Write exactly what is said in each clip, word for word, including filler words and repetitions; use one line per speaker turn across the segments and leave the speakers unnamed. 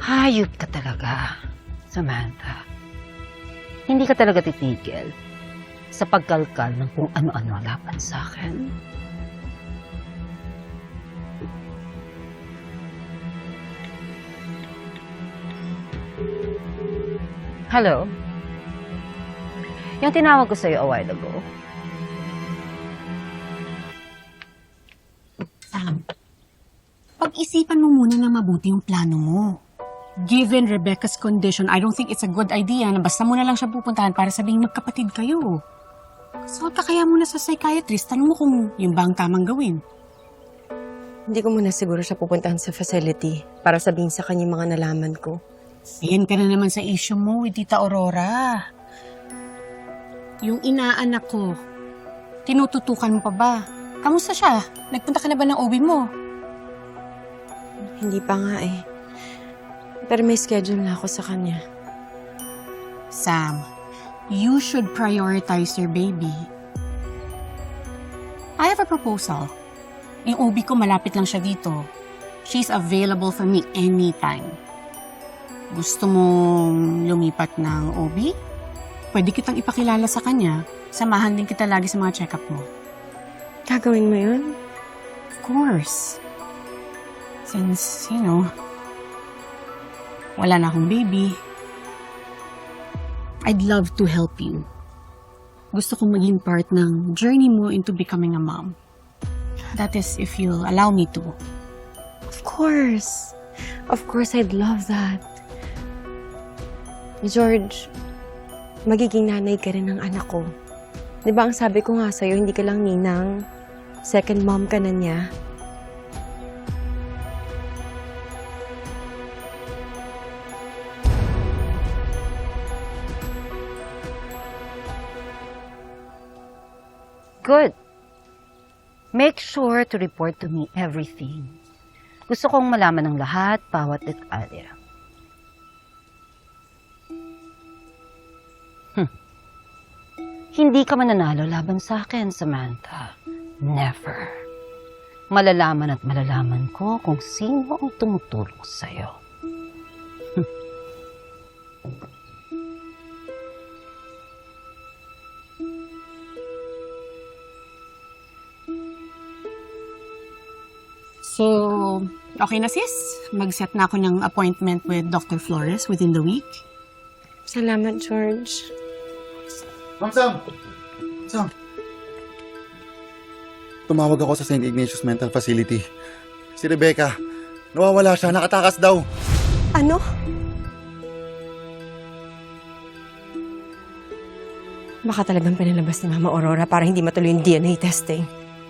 Hayop ka talaga, Samantha. Hindi ka talaga titigil sa pagkalkal ng kung ano-ano laban sa akin. Hello? Yung tinawag ko sa'yo a while ago.
Sam, pag-isipan mo muna na mabuti yung plano mo. Given Rebecca's condition, I don't think it's a good idea na basta mo na lang siya pupuntahan para sabihing magkapatid kayo. So, ka kaya muna sa psychiatrist, tanong mo kung yung ba ang tamang gawin.
Hindi ko muna siguro siya pupuntahan sa facility para sabihin sa kanya yung mga nalaman ko.
Ayan ka na naman sa issue mo with Tita Aurora. Yung inaanak ko, tinututukan mo pa ba? Kamusta siya? Nagpunta ka na ba ng O B mo?
Hindi pa nga eh. Pero may schedule na ako sa kanya.
Sam, you should prioritize your baby. I have a proposal. Yung O B ko malapit lang siya dito. She's available for me anytime. Gusto mong lumipat ng O B? Pwede kitang ipakilala sa kanya. Samahan din kita lagi sa mga check-up mo.
Gagawin mo yun?
Of course. Since, you know, wala na akong baby, I'd love to help you. Gusto kong maging part ng journey mo into becoming a mom. That is, if you'll allow me to.
Of course. Of course, I'd love that. George, magiging nanay ka rin ng anak ko. Di ba ang sabi ko nga sa'yo, hindi ka lang ninang. Second mom ka na niya.
Good. Make sure to report to me everything. Gusto kong malaman ng lahat, bawat detalye. Hmm. Hindi ka mananalo laban sa akin, Samantha. Never. Malalaman at malalaman ko kung sino ang tumutulong sa'yo.
So, okay na sis? Mag-set na ako ng appointment with Doctor Flores within the week.
Salamat, George.
Ma'am Sam! Sam! Tumawag ako sa Saint Ignatius Mental Facility. Si Rebecca, nawawala siya, nakatakas daw.
Ano? Baka talagang pinalabas ni Mama Aurora para hindi matuloy yung D N A testing.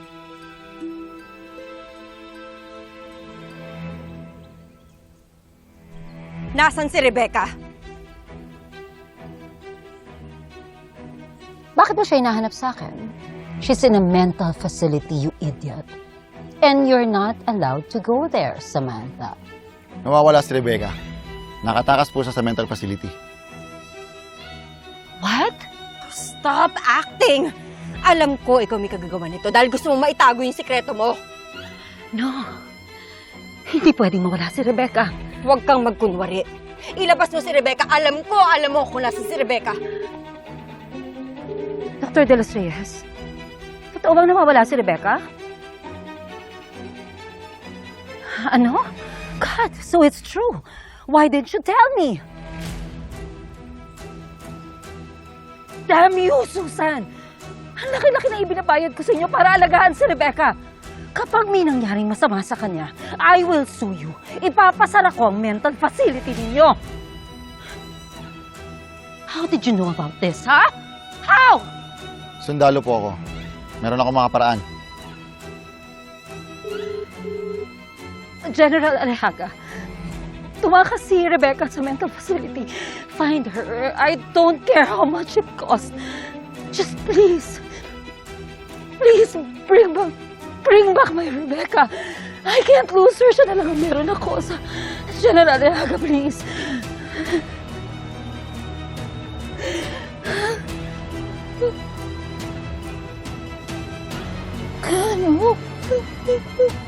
Nasaan si Rebecca?
Bakit mo siya hinahanap sa akin? She's in a mental facility, you idiot. And you're not allowed to go there, Samantha.
Nawawala si Rebecca. Nakatakas po siya sa mental facility.
What?
Stop acting! Alam ko ikaw may kagagawa nito dahil gusto mong maitago yung sikreto mo.
No. Hindi pwedeng mawala si Rebecca.
Huwag kang magkunwari. Ilabas mo si Rebecca. Alam ko, alam mo kung nasa si Rebecca.
Doctor De Los Reyes, totoo bang nawawala si Rebecca? Ano? God, so it's true. Why didn't you tell me? Damn you, Susan! Ang laki-laki na ibinabayad ko sa inyo para alagaan si Rebecca. Kapag may nangyaring masama sa kanya, I will sue you. Ipapasara ko ang mental facility ninyo. How did you know about this, ha? How?
Sundalo po ako. Meron ako mga paraan.
General Alejaga, tumakas si Rebecca sa mental facility. Find her. I don't care how much it costs. Just please, please bring back, bring back my Rebecca. I can't lose her. Siya na lang ang meron ako sa General Alejaga, please. Ano?